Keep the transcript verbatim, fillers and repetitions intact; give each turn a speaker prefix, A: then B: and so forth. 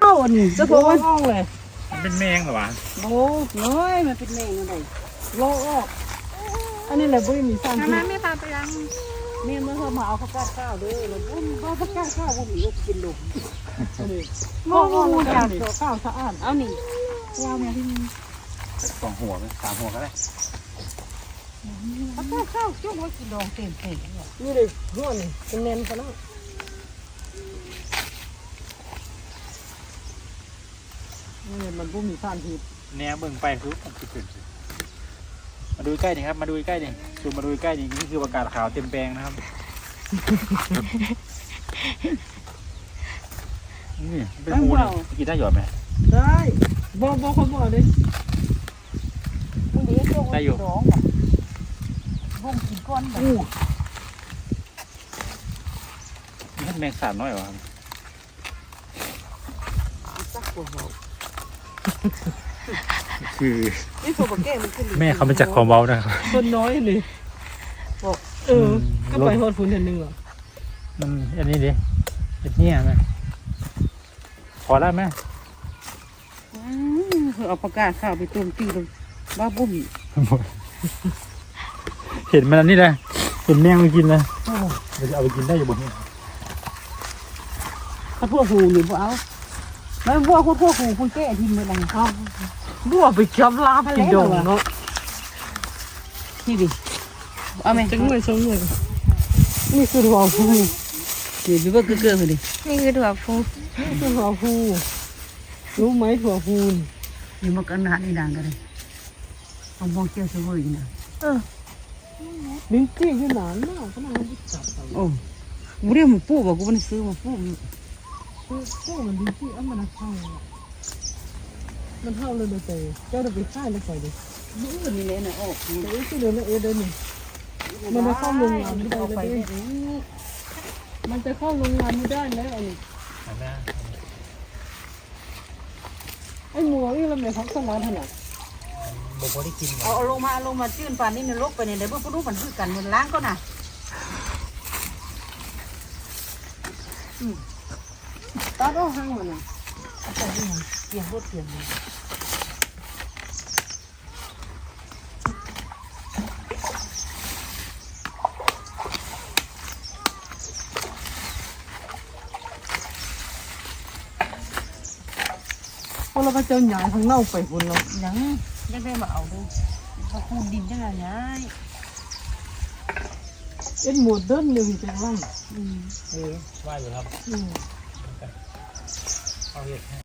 A: าอันนี้จะบอกว่าห้องเลย
B: มันเป็นแมงเหรอวะ
A: โอ้น้อยมันเป็นแมงอะไรโลออกอันนี้แหละบุ้ยมีสารพิษ
C: ไม่พาไปยัง
A: เมียมันเขามาเอาข้าวข้าวด้วยแล้วบุ้มเอาข้าวข้าวบุ้มอีกกินลงนี่มองงูอยากตัวข้าวสะอาดเอานี่ยาวเนี่ยที่
B: สองหัวไหมสามหัวก็ได้
A: ข้าวข้าวจุ่มไว้กินดองเต็มเต็มนี่เลยหัวนี่เป็นเน้นกันแล้วนี่มันบุ้มมีสารพิษ
B: แนวเบิ่งไปคือมันคือขึ้นมาดูใกล้ดิครับมาดูใกล้ดิซูมมาดูใกล้ดินี่คือประกาศขาวเต็มแปลงนะครับนี่เป็นงูนี่กินได้หยอดไหม
A: ได้บอกบอกคนบอกเลยมึงเดี๋ยวจุ่มไว้กินดองบุ้มกินก้อนแบบ
B: นี่ท่านแมงสาบน้อยเหรอครับ
A: สักหัวเรา
B: คือ
A: นี่ตัวแก้มันขึ้น
B: แม่เขาเป็นจากความเบานะครับ
A: คนน้อยเลยบอกเออก็ไปหอดฝุ่นอันหนึ่งเหรอ
B: มันอันนี้ดิเป็นเนี่ยไหมพอแล้วไหม
A: เอาปากกาข้าวไปต้มตีลงบ้าบุ้ม
B: เห็นมันอันนี้เลยเห็นแมงมันกินเลยเราจะเอาไปกินได้อยู่บนนี้
A: ถ้าพวกหูหรือพวกเอาแล้วพวกพวกหูคุณแก้ทิมไปไหนครับบัวไปจับลาบกินดองเนาะนี่ดิเอาไหมจังเลยจังเลยนี่คือหัวฟูเดี๋ยวดูว่าเกลือๆมาดิ
C: นี่คือถั่วฟู
A: นี่คือหัวฟูรู้ไหมหัวฟูนี่มันกันหนาในด่างกันเลยเอามองเจียวสวยนะเออลิ้นจี้ยืนหนานมากขนาดนี้จับโอ้บุเรียมันปูบอกกูมันซื้อมาปูปูมันลิ้นจี้อ่ะมันเข้ามันเข้าเลยเลยแต่เจ้าจะไปค่ายเลยใส่เลยนี่นี่เลยนะโอ้เดี๋ยวที่เดินแล้วเอเดินนี่มันจะเข้าโรงงานไม่ได้เลยมันจะเข้าโรงงานไม่ได้แล้วไอ้ไอ้หมูนี่เราไม่พักสมาธิหรอก
B: บอกว่าได้กิน
A: เอาเอาลงมาลงมาจื้นปานนี้ในโลกไปเนี่ยเดี๋ยวพวกนู้นมันคือกันมันล้างก็น่ะตัดออกห้างมันน่ะเอาไปที่ไหนเปลี่ยนรถเปลี่ยนเลยพอเราไปเจอหยาทางเน่าไปคนเรายังยังได้มาเอาดูเขาคูดดินยังไงไงเอ็นหมดเดินเลยจังล่ำ
B: เออว่าอยู่ครับ
A: อืม
B: เอาเห็ด